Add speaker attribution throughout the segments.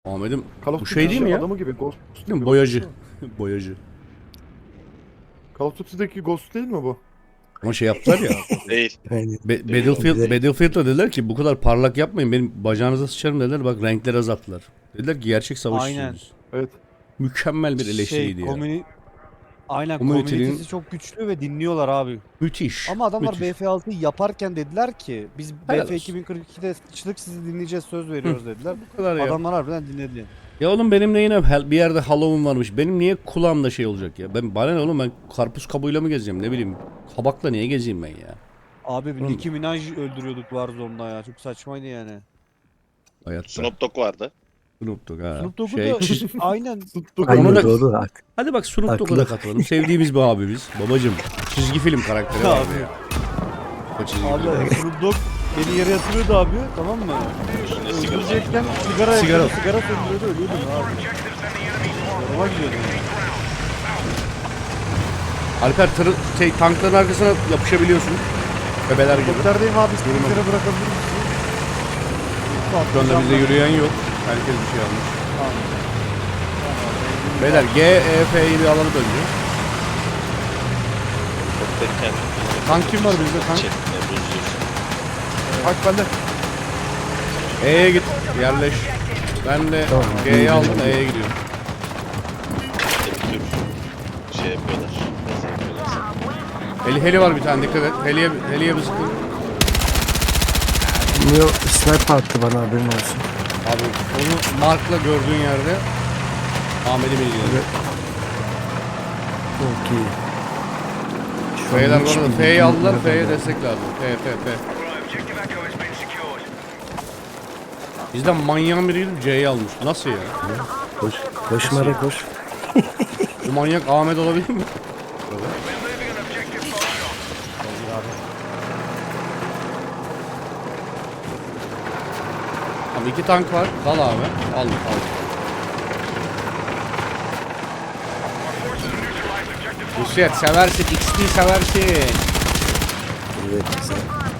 Speaker 1: Ahmet'im
Speaker 2: Call of
Speaker 1: bu
Speaker 2: Duty
Speaker 1: şey değil mi ya?
Speaker 2: Adamı gibi Ghost
Speaker 1: Değil mi?
Speaker 2: gibi.
Speaker 1: Boyacı. Boyacı.
Speaker 2: Call of Duty'deki Ghost değil mi bu?
Speaker 1: Ama şey yaptılar ya.
Speaker 3: Değil.
Speaker 4: Yani
Speaker 1: Battlefield'da dediler ki bu kadar parlak yapmayın, benim bacağınıza sıçarım dediler, bak renkleri azalttılar. Dediler ki gerçek savaşçıyız
Speaker 5: Aynen.
Speaker 1: biz.
Speaker 2: Evet.
Speaker 1: Mükemmel bir eleştiriydi ya.
Speaker 5: Aynen,
Speaker 1: Community'nin-
Speaker 5: komünitesi çok güçlü ve dinliyorlar abi.
Speaker 1: Müthiş.
Speaker 5: Ama adamlar
Speaker 1: müthiş.
Speaker 5: BF6'yı yaparken dediler ki biz
Speaker 1: Helal
Speaker 5: BF
Speaker 1: olsun.
Speaker 5: 2042'de sıçtık, sizi dinleyeceğiz, söz veriyoruz dediler.
Speaker 1: Bu kadar ya.
Speaker 5: Adamlar harbiden dinledi.
Speaker 1: Ya oğlum benim de yine bir yerde Halloween varmış. Benim niye kulağımda şey olacak ya? Bana ne oğlum, ben karpuz kabuğuyla mı gezeceğim, ne bileyim. Kabakla niye gezeyim ben ya?
Speaker 5: Abi
Speaker 1: Oğlum.
Speaker 5: Nicki Minaj öldürüyorduk Warzone'da ya. Çok saçmaydı yani.
Speaker 1: Hayatta.
Speaker 3: Snoop Dogg vardı.
Speaker 1: Snoop Dogg ha.
Speaker 5: Snoop Dogg'u
Speaker 1: Şey,
Speaker 5: da aynen.
Speaker 4: aynen
Speaker 1: Onu da-
Speaker 4: doğru. Hak.
Speaker 1: hadi bak Snoop Dogg'a da
Speaker 4: Haklı.
Speaker 1: katılalım. Sevdiğimiz bir abimiz. Babacım. Çizgi film karakteri vardı
Speaker 5: Abi.
Speaker 1: ya. O çizgi film.
Speaker 5: Abi Snoop Dogg beni yere yatırıyordu abi, tamam mı?
Speaker 3: Üstünde sigara.
Speaker 5: Öldürecekken
Speaker 1: Sigara.
Speaker 5: sigara söndürüyordu, ölüyordum abi. Yoruma gidiyordum.
Speaker 1: Alper tankların arkasına yapışabiliyorsun. Bebeler gibi.
Speaker 5: Helikopterdeyim abi, sizlere bırakabilir misin?
Speaker 1: Şu anda bizde yürüyen yok. Herkes bir şey almış. Beyler GEF'yi bir alalım önce.
Speaker 3: Derken
Speaker 1: Tank kim var bizde tank?
Speaker 3: çekme bozuyorsun.
Speaker 2: Bak bende.
Speaker 1: E'ye git. Yerleş. Ben de
Speaker 4: Tamam.
Speaker 1: G'yi aldım, E'ye gidiyorum.
Speaker 3: Hep tür şey yapıyorlar. Nasıl yapıyorlar?
Speaker 1: Heli var bir tane, dikkat et. Heliye bir sıkın.
Speaker 4: Neo sniper attı bana, haberin olsun.
Speaker 1: Abi onu markla gördüğün yerde Ahmet'i bilgilendir.
Speaker 4: Çok iyi. Şu an
Speaker 1: F'ler
Speaker 4: hiç
Speaker 1: bu arada
Speaker 4: bildiğim
Speaker 1: F'yi aldılar,
Speaker 4: yok
Speaker 1: F'ye
Speaker 4: yani.
Speaker 1: destek lazım. F. Bizden manyağın biri gidip C'yi almış. Nasıl ya?
Speaker 4: Koş. Koş Mara koş.
Speaker 1: Bu manyak Ahmet olabilir mi? Abi 2 tank var. Dal abi. Al. Nusret seversin. XP seversin.
Speaker 4: Evet güzel.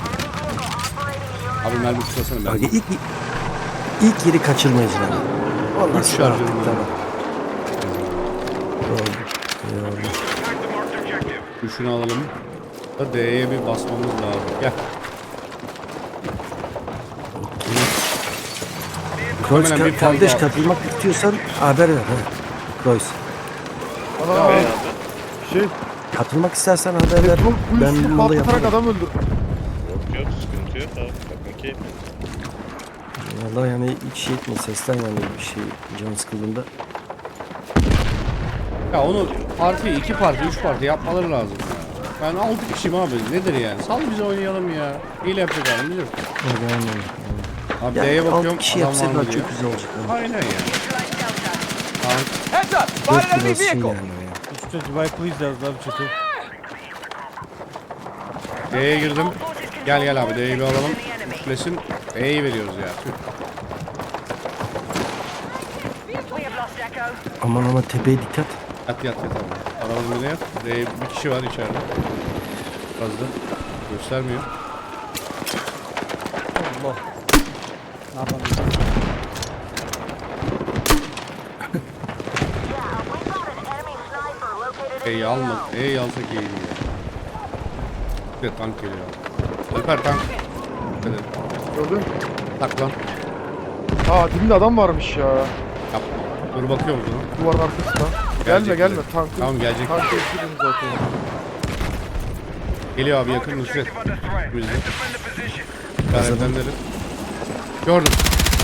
Speaker 1: Abi mermi tutasana
Speaker 4: Bak
Speaker 1: ben.
Speaker 4: ilk yeri kaçırmayız bana. Vallahi
Speaker 1: Üç
Speaker 4: silah
Speaker 1: şarjörüm
Speaker 4: attık,
Speaker 1: var.
Speaker 4: tamam. Oldu. İyi oldu.
Speaker 1: Şunu alalım. Da D'ye bir basmamız lazım. Gel.
Speaker 4: Kroos
Speaker 1: Hemen bir
Speaker 4: kardeş,
Speaker 1: fazla-
Speaker 4: katılmak istiyorsan haber ver. Ha. Kroos.
Speaker 2: Ana
Speaker 3: Be abi.
Speaker 2: şey.
Speaker 4: Katılmak istersen haber ver.
Speaker 2: Bu
Speaker 4: Ben
Speaker 2: üstü
Speaker 4: mola
Speaker 2: patlatarak
Speaker 4: yaparım.
Speaker 2: adam öldür.
Speaker 3: Yok sıkıntı yok abi. Bakın ki.
Speaker 4: Vallahi yani hiç şey etme, sesten yani bir şey can sıkıldığında.
Speaker 1: Ya onu iki parti, 3 parti yapmaları lazım. Ben 6 kişiyim abi. Nedir yani? Sal bizi oynayalım ya. Hile yapacak halimiz yok. Abi
Speaker 4: Ya,
Speaker 1: D'ye bakıyorum.
Speaker 4: 6 kişi
Speaker 1: adam var mı
Speaker 4: yapsalar
Speaker 1: diye.
Speaker 4: çok güzel olacak.
Speaker 1: Aynen ya. Tank.
Speaker 4: 4 yıl olsun yani. Ya.
Speaker 5: Üstte Dubai Please yazdı abi çatı.
Speaker 1: D'ye girdim. Gel abi D'yi bir alalım. Üçlesin. E'yi veriyoruz ya. Tüh.
Speaker 4: Aman tepeye dikkat.
Speaker 1: Yat abi. Arabamın birine yat. D'ye bir kişi var içeride. Fazla. Göstermiyor.
Speaker 5: Allah. Ne yapalım?
Speaker 1: E'yi alma. E'yi alsak iyiydi ya. Bir de tank geliyor. Alper tank. Dikkat et.
Speaker 2: Gördün.
Speaker 1: Tak lan.
Speaker 2: Aa dibinde adam varmış ya.
Speaker 1: Yapma. Dur bakıyorum sana.
Speaker 2: Duvarın arkasında.
Speaker 1: Gelecek
Speaker 2: Gelme
Speaker 1: bize.
Speaker 2: tankı.
Speaker 1: Tamam, gelecek.
Speaker 2: Tankı eskidim zaten.
Speaker 1: Geliyor abi, yakın Nusret. Bizde. İşaretlendirin. Gördüm.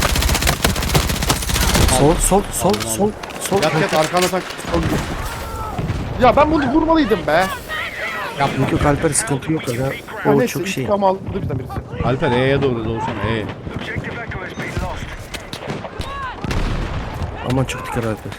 Speaker 4: Sol.
Speaker 1: Yat arkana tak.
Speaker 2: Ya ben bunu vurmalıydım be.
Speaker 4: Yok yok Alper, sıkıntı yok ya.
Speaker 2: Ha,
Speaker 4: O
Speaker 2: neyse
Speaker 4: çok şey.
Speaker 2: intikam aldı bizden birisi.
Speaker 1: Alper E'ye doğru doğsana E'ye.
Speaker 4: Aman çok dikkat Alper.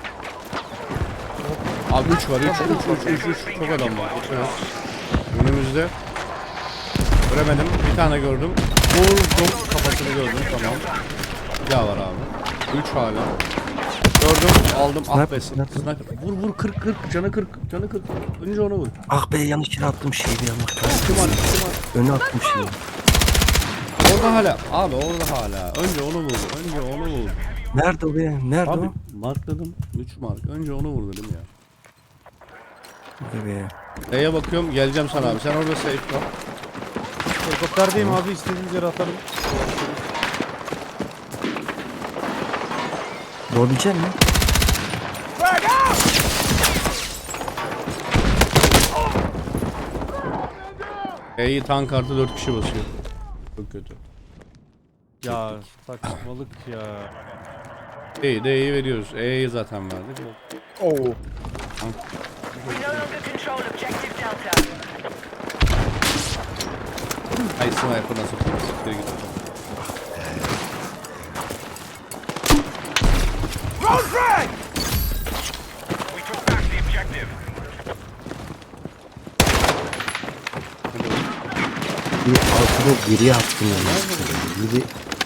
Speaker 1: Abi 3 var 3 çok adam var. Evet. Önümüzde. Göremedim, bir tane gördüm. Vurdum, kafasını gördüm, tamam. Bir daha var abi. 3 hala. Gördüm, aldım. Ah be, sniper. Vur 40 canı 40. Önce ona vur.
Speaker 4: Ah be, yanlış yere attım şeyi bir yanlış.
Speaker 1: Kim var?
Speaker 4: Öne attım şeyi.
Speaker 1: Orada hala. Abi orada hala. Önce onu vur.
Speaker 4: Nerede o be? Nerede
Speaker 1: Abi
Speaker 4: o?
Speaker 1: markladım. 3 mark. Önce onu vur dedim ya.
Speaker 4: Burada be.
Speaker 1: E'ye bakıyorum, geleceğim sana abi. Sen orada safe kal.
Speaker 5: Helikopterdeyim abi, istediğiniz yere atarım.
Speaker 4: Doğabilecek misin?
Speaker 1: E'yi tank artı 4 kişi basıyor. Çok kötü.
Speaker 5: Ya saçmalık ya.
Speaker 1: E'yi de E'yi veriyoruz. E'yi zaten verdik.
Speaker 2: Oo.
Speaker 6: We no longer control objective Delta.
Speaker 1: Ay sniper nasıl tuttu? Siktir git.
Speaker 7: We took back the objective.
Speaker 4: Bir altını geriye attım yani. Biri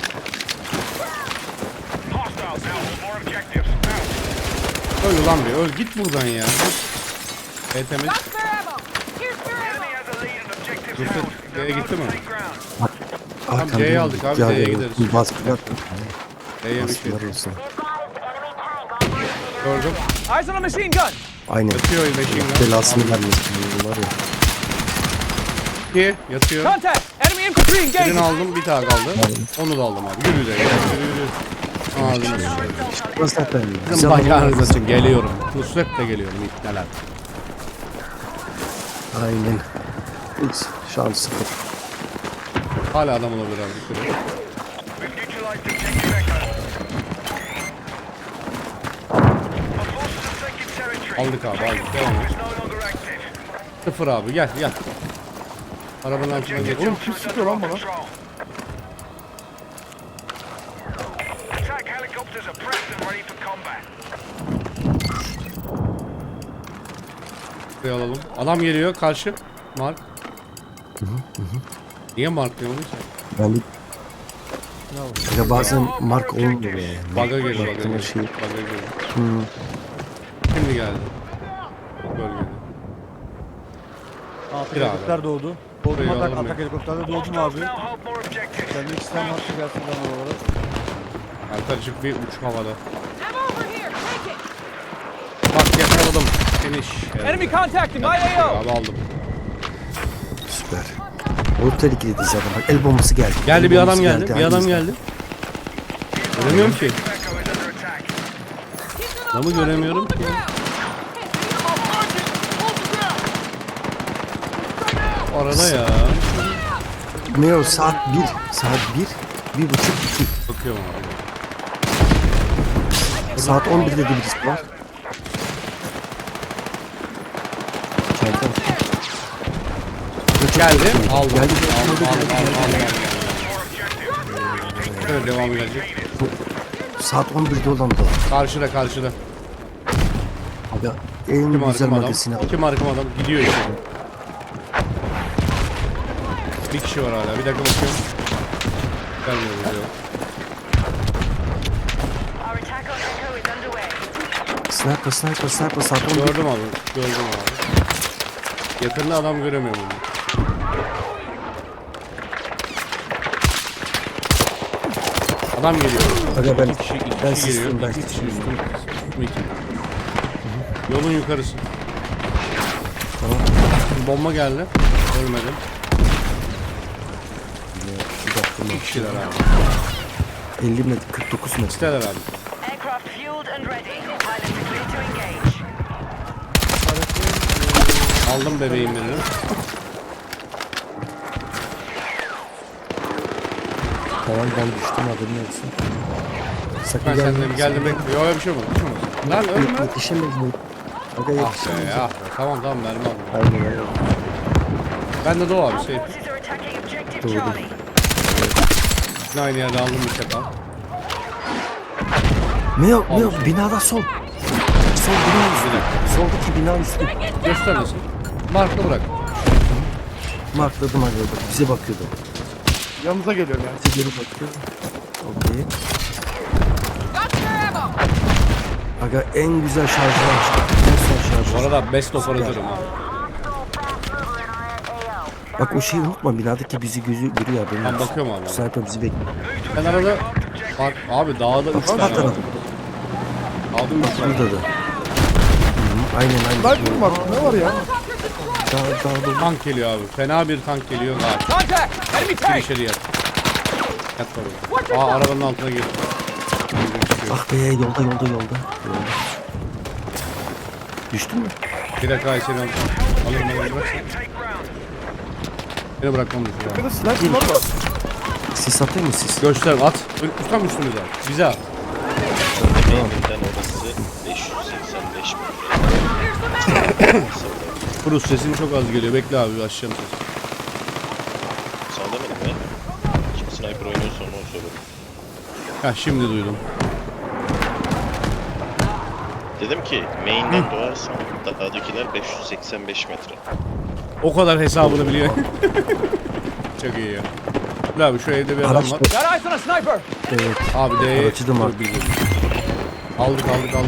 Speaker 7: Hostiles now hold more objectives. Out.
Speaker 1: Öl lan bir öl. Git buradan ya. E temiz.
Speaker 7: Enemy has a lead and objectives
Speaker 1: Rüfet,
Speaker 7: out.
Speaker 1: D'ye gitti mi?
Speaker 7: Take ground.
Speaker 4: arkamda
Speaker 1: C'ye aldık abi, D'ye gideriz.
Speaker 4: Bir baskı yaptım.
Speaker 1: E'ye bir şey.
Speaker 4: Baskılar olsun.
Speaker 1: Gördüm.
Speaker 5: Eyes on a machine gun!
Speaker 4: Aynen.
Speaker 1: Yatıyor machine gun.
Speaker 4: Belasını vermesin. Bunlar ya.
Speaker 1: 2 yatıyor.
Speaker 5: Contact! Enemy infantry engaged!
Speaker 1: Birini aldım, bir tane kaldı. Onu da aldım abi. Yürü de yürü yürü. Ağzını sıçrayım.
Speaker 4: Burası zaten.
Speaker 1: Bizim bacağınız için geliyorum. Nusret de geliyorum iptaler.
Speaker 4: Aynen. Hiç şans sıfır.
Speaker 1: Hala adam olabilir abi. Dikkat et.
Speaker 7: We've neutralized objective Echo. Our forces have taken territory.
Speaker 1: Aldık abi aldık. Devam et.
Speaker 7: It's no longer active.
Speaker 1: Sıfır abi gel gel. Arabanın altına geç.
Speaker 2: Oğlum kim sıkıyor lan bana?
Speaker 7: Control. Attack helicopters are prepped and ready for combat.
Speaker 1: Buraya alalım. Adam geliyor karşı. Mark. Niye Mark diyor onu?
Speaker 4: Yani ya bazen mark olmuyor yani.
Speaker 1: Bug'a geliyor, bug'a
Speaker 4: Baktığın
Speaker 1: geliyor.
Speaker 4: şey.
Speaker 1: Bug'a geliyor.
Speaker 4: Hmm.
Speaker 1: Şimdi geldi. Bölgede.
Speaker 5: Atak
Speaker 1: Bir abi.
Speaker 5: helikopter doğdu.
Speaker 1: Burayı
Speaker 5: Doğdum atak,
Speaker 1: alalım
Speaker 5: atak
Speaker 1: ya.
Speaker 5: helikopterde doğdum
Speaker 7: Hostiles
Speaker 5: abi.
Speaker 7: now hold more objectives.
Speaker 5: Kendi iki tane hattı gelsin bana oralara.
Speaker 1: Arkadaşık bir uç havada.
Speaker 6: I'm over here. Take it.
Speaker 1: Bak yakaladım. Finish.
Speaker 5: Enemy contacting my AO!
Speaker 1: Abi aldım.
Speaker 4: Süper. O tehlikeliydi zaten. Bak el bombası geldi.
Speaker 1: Geldi
Speaker 4: El
Speaker 1: bir adam
Speaker 4: bombası
Speaker 1: geldi. Bir adam
Speaker 4: hangisi?
Speaker 1: geldi. Göremiyorum ki.
Speaker 7: Echo is under attack.
Speaker 1: Adamı göremiyorum ki. Arada ya.
Speaker 4: Ne o saat 1. Saat 1. 1.30 2.
Speaker 1: Bakıyorum abi.
Speaker 4: Saat 11'de de birisi var. Çanta.
Speaker 1: Geldi. Aldım.
Speaker 4: Geldi.
Speaker 1: Aldım. Evet devam gelecek.
Speaker 4: Saat 11'de olan da var.
Speaker 1: Karşıda karşıda.
Speaker 4: Abi en
Speaker 1: Kim
Speaker 4: güzel
Speaker 1: arkam adam?
Speaker 4: magazini al.
Speaker 1: Kim arkam adam? Gidiyor işte. Bir kişi var hala. Bir dakika bakıyorum. Gelmiyor bize yok.
Speaker 6: Our attack on Echo is underway.
Speaker 4: Sniper saat 11.
Speaker 1: Gördüm abi. Gördüm abi. Yakında adam göremiyorum onu. Adam geliyor.
Speaker 4: Aga ben,
Speaker 1: İki kişi
Speaker 4: ben
Speaker 1: geliyor.
Speaker 4: sistim ben
Speaker 1: İki kişi
Speaker 4: sistim.
Speaker 1: üstüm. Yolun yukarısı.
Speaker 4: Tamam.
Speaker 1: Bomba geldi. Ölmedim.
Speaker 4: Bir dakika.
Speaker 1: İki kişiler abi.
Speaker 4: 50 metre 49 metre.
Speaker 1: İsteler abi.
Speaker 6: Aircraft fueled and ready. Pilots are clear to engage.
Speaker 1: Aldım bebeğim birini.
Speaker 4: Tamam ben düştüm haberin olsun. Sakın
Speaker 1: Ben
Speaker 4: gelme.
Speaker 1: senden geldim bekliyor. Yok bir şey olmadı. Bir şey olmadı. Lan ölme.
Speaker 4: Yetişemeyiz mi? Aga
Speaker 1: Ah be
Speaker 4: yetişemeyiz.
Speaker 1: ah be. Tamam tamam mermi aldım.
Speaker 4: Aynen aynen.
Speaker 1: Ben de Doğu abi
Speaker 6: Our
Speaker 1: şey.
Speaker 6: forces are attacking objective
Speaker 4: Doğru.
Speaker 6: Charlie.
Speaker 1: Yine aynı yerde aldım bir sefer.
Speaker 4: Ne o binada sol. Sol bina üstü. Soldaki bina üstü.
Speaker 1: Göster nasıl? Markla bırak.
Speaker 4: Markladım aga bak bize bakıyordu.
Speaker 2: Yanınıza geliyorum yani.
Speaker 4: Bize geri bakıyor. Okey. Aga en güzel şarjı açtı. En son şarjı.
Speaker 1: Bu arada best operatörüm ha.
Speaker 4: Bak o şeyi unutma binadaki bizi gözü görüyor haberin
Speaker 1: Ben
Speaker 4: olsun.
Speaker 1: bakıyorum abi.
Speaker 4: Sniper bizi bekliyor.
Speaker 1: Ben arada Bak abi dağda 3 tane
Speaker 4: Sağ
Speaker 1: var.
Speaker 4: taraf.
Speaker 1: Aldım 3 tane.
Speaker 4: Burada da. Hı, aynen aynen.
Speaker 2: Sniper var. Ne var ya?
Speaker 4: Dağda.
Speaker 1: Tank geliyor abi. Fena bir tank geliyor. Kaç.
Speaker 5: Contact! Enemy
Speaker 1: Gir
Speaker 5: tank!
Speaker 1: içeri yat. Yat oraya. Aa arabanın altına gir.
Speaker 4: Ah be yolda. Düştün mü?
Speaker 1: Bir dakika seni alırım. Alırım bırak.
Speaker 7: Take ground.
Speaker 1: Beni bırakmam düşür abi.
Speaker 2: Arkada sniper var.
Speaker 4: Sis atayım mı sis?
Speaker 1: Göster at. Tam üstümüze at. Bize at.
Speaker 3: Evinden orası 585 metre.
Speaker 1: Cruz sesin çok az geliyor. Bekle abi açacağım sesi.
Speaker 3: Sana demedim ya. Kim sniper oynuyorsa onu söyledim.
Speaker 1: Heh şimdi duydum.
Speaker 3: Dedim ki main'den doğarsan dağdakiler 585 metre.
Speaker 1: O kadar hesabını biliyor. Çok iyi ya. Dur abi şu evde bir adam
Speaker 4: Araç
Speaker 1: var.
Speaker 5: Got eyes on a sniper!
Speaker 4: Evet.
Speaker 1: Abi D'ye
Speaker 4: Aracı da mark.
Speaker 1: Aldık.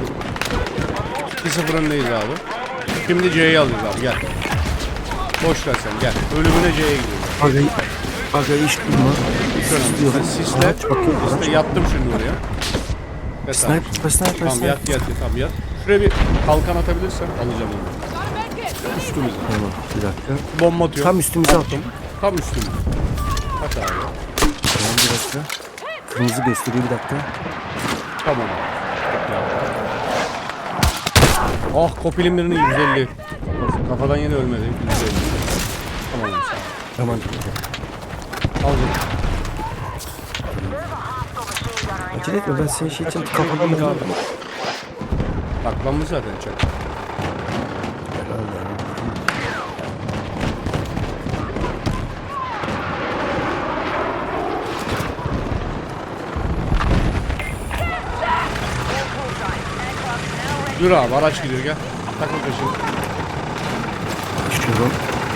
Speaker 1: 2-0 öndeyiz abi. Şimdi C'yi alacağız abi gel. Boş ver sen gel. Ölümüne C'ye gidiyoruz.
Speaker 4: Aga iş durma.
Speaker 1: Hiç önemli.
Speaker 4: Diyorum.
Speaker 1: Sen sisle.
Speaker 4: Araç bakıyor, araç.
Speaker 1: Sisle yattım şimdi oraya. Yat abi.
Speaker 4: Sniper.
Speaker 1: Tamam yat tamam yat. Şuraya bir kalkan atabilirsen alacağım onu. Üstümüze.
Speaker 4: Tamam bir dakika.
Speaker 1: Bomba atıyorum.
Speaker 4: Tam üstümüze attım.
Speaker 1: Tam üstümüze. At abi.
Speaker 4: Tamam bir dakika. Kırmızı gösteriyor bir dakika.
Speaker 1: Tamam. Oh kopilim birinin 150. Kafadan yine ölmedi. 150. Tamam abi.
Speaker 4: Tamam.
Speaker 1: Aldım.
Speaker 4: Acele etme ben senin şey için kafadan
Speaker 1: Git abi.
Speaker 4: aldım.
Speaker 1: Saklanmış zaten çok. Dur abi araç gidiyor gel. Takıl peşini.
Speaker 4: Düşüyorum.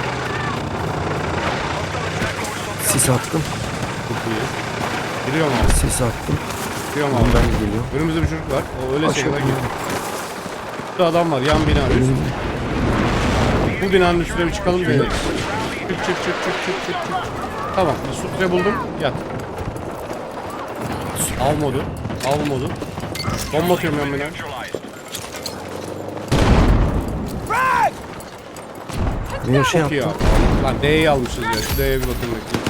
Speaker 4: Sis attım.
Speaker 1: Çok iyi. Giriyorum abi.
Speaker 4: Sis attım.
Speaker 1: Giriyorum abi.
Speaker 4: Ondan geliyor.
Speaker 1: Önümüzde bir çocuk var. O öyle
Speaker 4: Aşağı
Speaker 1: kadar
Speaker 4: iniyor.
Speaker 1: giriyor. Burada adam var yan bina üstü. Bu binanın üstüne bir çıkalım deneyelim. Çık. Tamam. Sutre buldum. Yat. Av modu. Bomba atıyorum yan binaya.
Speaker 4: Benim şey
Speaker 1: Çok iyi
Speaker 4: yaptım.
Speaker 1: abi. Lan D'yi almışız ya. Şu D'ye bir bakın bekleyin.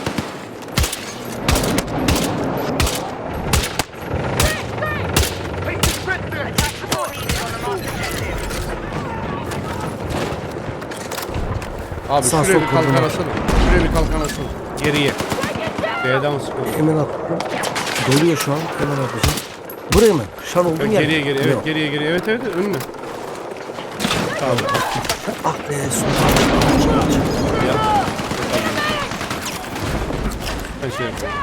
Speaker 1: Abi
Speaker 4: Sağ
Speaker 1: şuraya
Speaker 4: sol
Speaker 1: bir kalkan
Speaker 4: koordinat.
Speaker 1: asana. Şuraya bir kalkan asana. Geriye. D'den sıkıyorum.
Speaker 4: Hemen attım. Doluyor şu an. Hemen atacağım. Buraya mı? Şu an olduğun yer.
Speaker 1: Geriye. Evet
Speaker 4: Yok.
Speaker 1: geriye. Evet önüne. Tamam.
Speaker 4: Ah be son.
Speaker 1: Ya. Ben şey yapayım.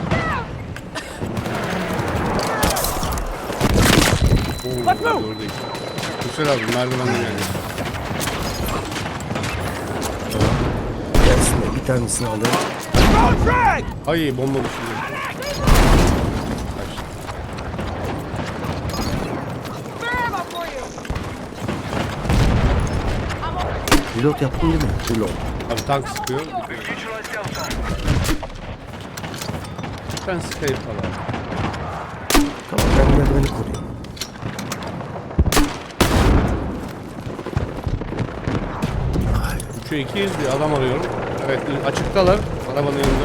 Speaker 1: Oo, oradayız. Güzel abi merdivenden geldi.
Speaker 4: Gelsin de bir tanesini alayım.
Speaker 1: Ay bomba düşürdü. Kaç.
Speaker 4: Reload yaptın değil mi? Reload.
Speaker 1: Abi tank sıkıyor.
Speaker 7: Neutralize Delta.
Speaker 1: Ben sıkayım falan.
Speaker 4: Tamam ben merdiveni koruyorum.
Speaker 1: Şu 200 bir adam arıyorum. Evet açıktalar. Arabanın yanında.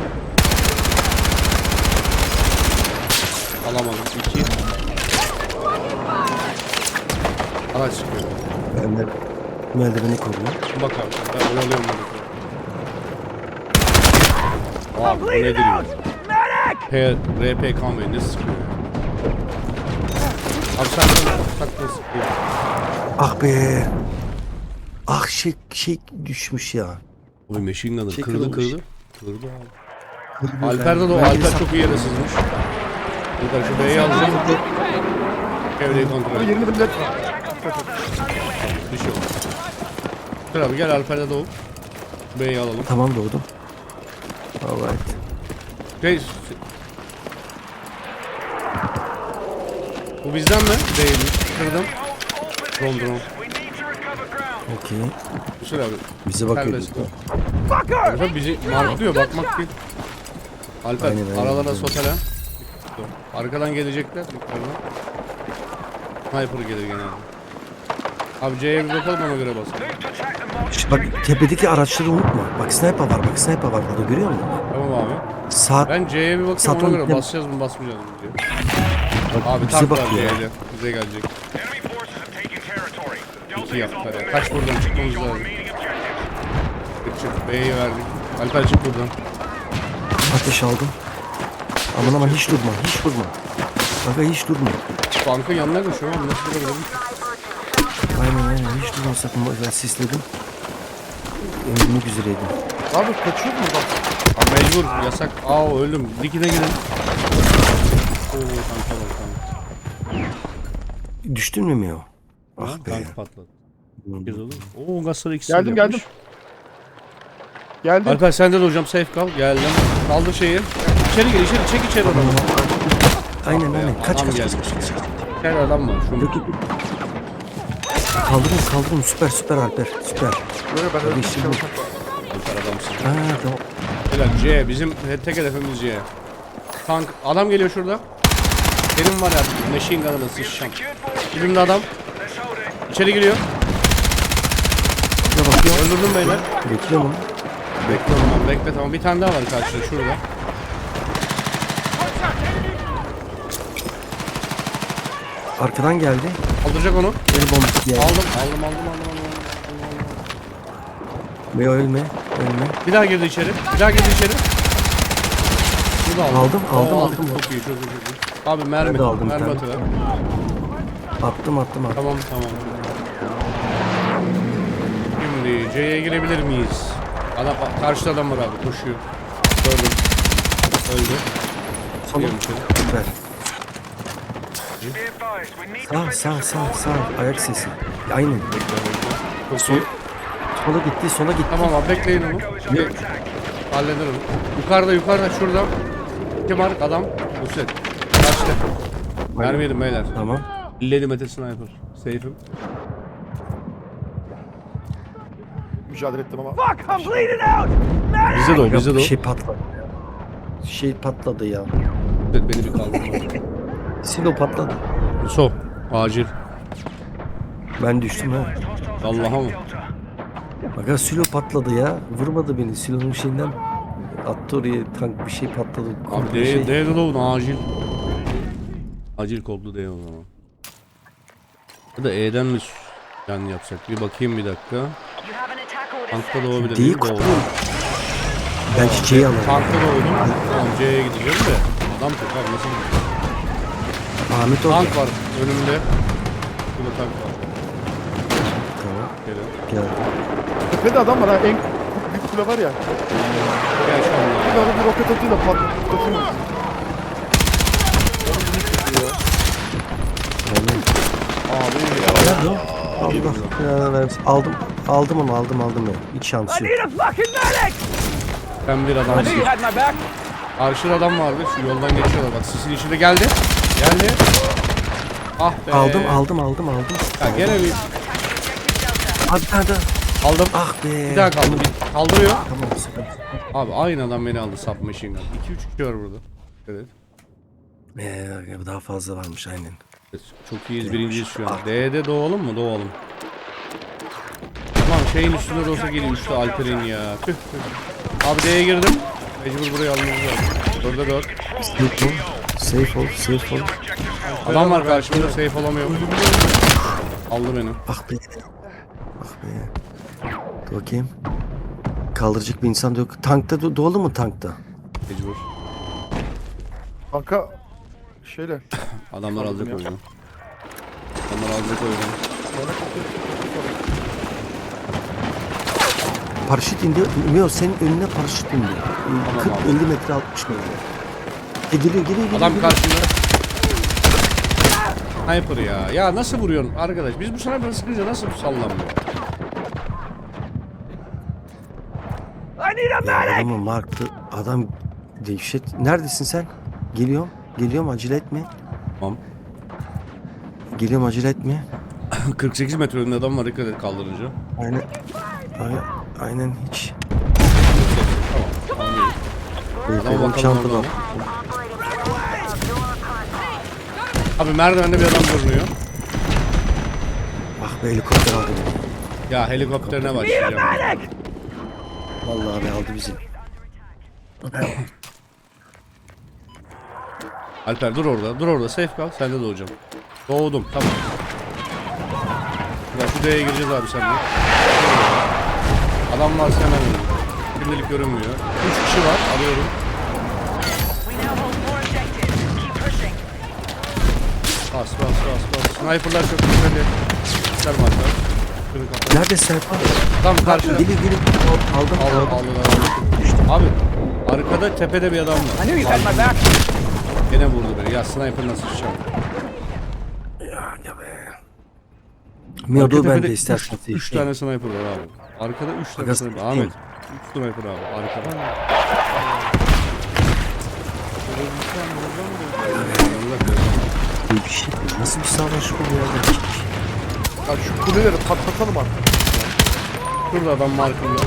Speaker 1: Alamadım. 2. Araç çıkıyor.
Speaker 4: Ben merdiveni koruyorum.
Speaker 1: Bak abi. Ben oyalıyorum bunu. Abi bu nedir ya? RP Conway ne sıkıyor ya? Abi sen takla sıkıyor.
Speaker 4: Ah be. Ah şey düşmüş ya.
Speaker 1: Oy machine gunner
Speaker 4: Şey
Speaker 1: kırdı.
Speaker 4: kırılmış.
Speaker 1: Kırdı abi. Alper'de de o Alper çok iyi yere sızmış. Alper şu B'yi alacağım. Çevreyi kontrol et.
Speaker 2: Yerinde millet.
Speaker 1: Bir şey olmaz. Dur abi gel Alper'de doğup B'yi alalım.
Speaker 4: Tamam doğdum. Alright.
Speaker 1: Şey, bu bizden mi? Değilmiş. Kırdım. Drone.
Speaker 7: We need to recover ground.
Speaker 4: Okey.
Speaker 1: Kusur abi.
Speaker 4: Bize bakıyor.
Speaker 1: Serbest bu. Alper bizi marklıyor bakmak değil. Alper
Speaker 4: Aynen,
Speaker 1: aralara
Speaker 4: aynen.
Speaker 1: sotele. Arkadan gelecekler. Yukarıdan. Sniper gelir genelde. Abi C'ye bir bakalım ona göre basalım.
Speaker 7: Move to attack the marked
Speaker 4: Bak tepedeki araçları unutma. Bak sniper var, bak sniper var burada, görüyor musun?
Speaker 1: Tamam abi.
Speaker 4: Sağ
Speaker 1: Ben C'ye bir bakayım
Speaker 4: Satın
Speaker 1: ona göre
Speaker 4: gittim.
Speaker 1: basacağız mı basmayacağız mı diye. Abi
Speaker 4: bize
Speaker 1: tank var
Speaker 4: bakıyor ya.
Speaker 1: C'yle. Bize gelecek.
Speaker 7: enemy forces have taken territory.
Speaker 1: İki
Speaker 7: Delta is
Speaker 1: yaptılar
Speaker 7: off
Speaker 1: ya.
Speaker 7: the
Speaker 1: Kaç
Speaker 7: map.
Speaker 1: buradan çıkmamız
Speaker 7: Engage all
Speaker 1: lazım.
Speaker 7: remaining objectives.
Speaker 1: Çık. B'yi verdik. Alper çık buradan.
Speaker 4: ateş aldım. Aman hiç durma, hiç durma. Bak hiç durma.
Speaker 1: Tankın yanına koşuyor ama nasıl durabilirim?
Speaker 4: Aynen hiç durma sakın. Ben sisledim. Ölmek üzereydim.
Speaker 2: Abi kaçıyor mu bak?
Speaker 1: Abi mecbur. Yasak. Aa öldüm. Dikine gidin. Oo tanka bak tank.
Speaker 4: Düştün mü Meo?
Speaker 1: Ha,
Speaker 4: Ah be.
Speaker 1: tank patladı.
Speaker 4: Hmm.
Speaker 1: Kez olur. Oo gasları ikisi
Speaker 2: Geldim,
Speaker 1: de yapmış.
Speaker 2: Geldim.
Speaker 1: Alper sen de hocam safe kal. Geldim. Kaldır şeyi. İçeri gir içeri. Çek içeri adamı.
Speaker 4: Aynen aynen. Kaç
Speaker 1: Adam
Speaker 4: kaç
Speaker 1: geldi.
Speaker 4: kaç.
Speaker 1: İçeri adam var. Şunu.
Speaker 4: Yok yok. Kaldırın süper Alper süper.
Speaker 2: Böyle ben öyle bir şey
Speaker 4: Kardeşim.
Speaker 2: yapamam.
Speaker 1: Alper adamsın.
Speaker 4: Ha tamam.
Speaker 1: Helal C. Bizim tek hedefimiz C. Tank. Adam geliyor şurada. Benim var ya. Machine gun'la sıçacağım. Elimde adam.
Speaker 7: Let's hold it.
Speaker 1: İçeri giriyor.
Speaker 4: Şuna bakıyor.
Speaker 1: Öldürdüm beyler.
Speaker 4: Bekliyorum onu.
Speaker 1: Bekle tamam. Bekle tamam. Bir tane daha var karşıda şurada.
Speaker 4: Arkadan geldi.
Speaker 1: Kaldıracak onu.
Speaker 4: El bombası geldi.
Speaker 1: Aldım.
Speaker 4: Meo ölme.
Speaker 1: Bir daha girdi içeri. Bir daha girdi içeri. Bunu da aldım.
Speaker 4: Aldım.
Speaker 1: Oo, aldık. Çok iyi. Abi mermi.
Speaker 4: Ben de aldım bir
Speaker 1: Mermi
Speaker 4: tane.
Speaker 1: atıver.
Speaker 4: Attım.
Speaker 1: Tamam. Şimdi C'ye girebilir miyiz? Adam, karşıda adam var abi. Koşuyor. Gördüm. Öldü.
Speaker 4: Tamam.
Speaker 1: Giriyorum içeri.
Speaker 4: Süper.
Speaker 7: Be advised, we need
Speaker 4: Sağ. Ayak sesi. Aynen.
Speaker 1: Çok iyi.
Speaker 4: Sola gitti.
Speaker 1: Tamam abi bekleyin onu. Bir hallederim. Yukarıda şurada. Kim var? Adam. Nusret. Kaçtı. Mermi yedim beyler.
Speaker 4: Tamam.
Speaker 1: Lady Mete Sniper. Safe'im.
Speaker 2: Mücadele ettim ama.
Speaker 1: Bize de o.
Speaker 4: Şey patladı ya.
Speaker 1: Beni bir kaldırma.
Speaker 4: Silo patladı.
Speaker 1: So. Acil.
Speaker 4: Ben düştüm ha.
Speaker 1: Allah'a mı?
Speaker 4: Bak silo patladı ya. Vurmadı beni. Silonun şeyinden attı oraya, tank bir şey patladı.
Speaker 1: Abi
Speaker 4: Komple şey.
Speaker 1: D'de olun acil. Acil kodlu D o zaman. Ya da E'den mi yani yapsak? Bir bakayım bir dakika.
Speaker 6: You have an attack order
Speaker 1: Tankta
Speaker 6: set.
Speaker 1: doğabilir
Speaker 4: D'yi
Speaker 1: miyim?
Speaker 4: kurtarın.
Speaker 1: Doğru.
Speaker 4: Ben çiçeği alayım.
Speaker 1: Tankta doğdum. Tamam C'ye gideceğim de. Adam çok abi nasıl gideceğim?
Speaker 4: Ahmet orada.
Speaker 1: Tank var önümde. Burada tank var.
Speaker 4: Tamam.
Speaker 1: Geliyor.
Speaker 4: Geldi.
Speaker 2: Tepede adam var ha. En büyük kule var ya.
Speaker 1: Gel şu anda.
Speaker 2: Bir ara bir roket atıyla patlatıyor.
Speaker 1: Abi
Speaker 4: Nerede o? Allah. Aldım onu ya. Hiç şansı yok.
Speaker 1: ben bir adamsın. Karşıda adam vardı. Şu yoldan geçiyorlar. Bak sisin içinde geldi. Ah be.
Speaker 4: Aldım.
Speaker 1: Ya gene bir
Speaker 4: Abi bir tane daha.
Speaker 1: aldım.
Speaker 4: Ah be.
Speaker 1: Bir daha kaldı. Bir kaldırıyor.
Speaker 4: Tamam sıkıntı.
Speaker 1: Abi aynı adam beni aldı submachine gun. 2-3 kişi var burada. Evet.
Speaker 4: Daha fazla varmış aynen.
Speaker 1: Çok iyiyiz, birinciyiz şu an. D'de doğalım mı? Doğalım. Tamam şeyin üstünde de olsa geliyor üstte Alper'in ya. Tüh tüh. Abi D'ye girdim. Mecbur buraya almamız lazım. 4'e 4.
Speaker 4: Safe ol.
Speaker 1: Adam var karşımda safe olamıyorum. Aldı beni.
Speaker 4: Ah be. Dur bakayım. Kaldıracak bir insan da yok. Tankta dolu mu tankta?
Speaker 1: Mecbur.
Speaker 2: Kanka şeyle.
Speaker 1: Adamlar alacak oyunu. Adamlar alacak oyunu.
Speaker 4: Paraşüt indi. Mio senin önüne paraşüt indi. 40-50 metre 60 metre. Geliyor.
Speaker 1: Adam karşımda. Sniper ya. Ya nasıl vuruyorsun arkadaş? Biz bu sniper'ı sıkınca nasıl sallanmıyor?
Speaker 4: Adamı marktı. Adam dehşet. Neredesin sen? Geliyorum acele etme.
Speaker 1: Tamam.
Speaker 4: Geliyorum acele etme.
Speaker 1: 48 metre önünde adam var, dikkat et kaldırınca.
Speaker 4: Aynen hiç.
Speaker 1: Tamam.
Speaker 4: Benim
Speaker 1: bakalım
Speaker 4: çantada.
Speaker 1: oradan. Abi merdivende bir adam görünüyor.
Speaker 4: Ah be helikopter aldı beni.
Speaker 1: Ya helikopterine başlayacağım.
Speaker 4: Vallahi abi aldı bizi.
Speaker 1: Alper dur orada. Dur orada. Safe kal. Sen de doğacağım. Doğdum. Tamam. Ya şu D'ye gireceğiz abi seninle. Adam varsa hemen vurun. Şimdilik görünmüyor. 3 kişi var. Alıyorum.
Speaker 6: We now hold more objectives. Keep pushing.
Speaker 1: Bas. Sniper'lar çok güzel. Çıkarım Alper. Şunu kapat.
Speaker 4: Nerede Serkan?
Speaker 1: Tam karşıda.
Speaker 4: Gelin. Aldım.
Speaker 1: Aldım. Abi arkada tepede bir adam var.
Speaker 5: I knew you had my back.
Speaker 1: Gene vurdu beni. Ya sniper nasıl çıkacağım?
Speaker 4: Miodo
Speaker 1: Arka
Speaker 4: bende
Speaker 1: tepede
Speaker 4: istersen.
Speaker 1: 3 tane sniper var abi. Arkada 3 tane
Speaker 4: Aga,
Speaker 1: sniper.
Speaker 4: sen-
Speaker 1: Ahmet. 3 sniper abi. Arkada.
Speaker 4: Bir şey. Nasıl bir savaş bu ya?
Speaker 2: Ya şu kuleleri patlatalım artık.
Speaker 1: Şurada adam markında.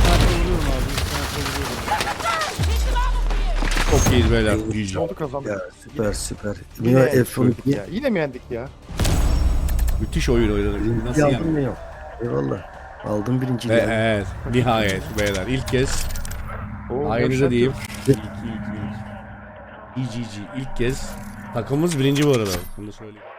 Speaker 1: Çok iyiyiz beyler. GG.
Speaker 2: Oldu kazandık.
Speaker 4: Ya süper.
Speaker 2: Yine
Speaker 4: Mio
Speaker 2: yendik
Speaker 4: F12.
Speaker 2: ya. Yine mi yendik ya?
Speaker 1: Müthiş oyun oynadık. Nasıl
Speaker 4: Aldın
Speaker 1: yani?
Speaker 4: mı yok? Eyvallah. Aldım birinciliği.
Speaker 1: Evet. Nihayet beyler. İlk kez.
Speaker 2: Oo,
Speaker 1: Aynıza
Speaker 2: yavşak
Speaker 1: diyeyim.
Speaker 2: yok.
Speaker 1: GG. İlk kez. Takımımız birinci bu arada. Bunu da söyleyeyim.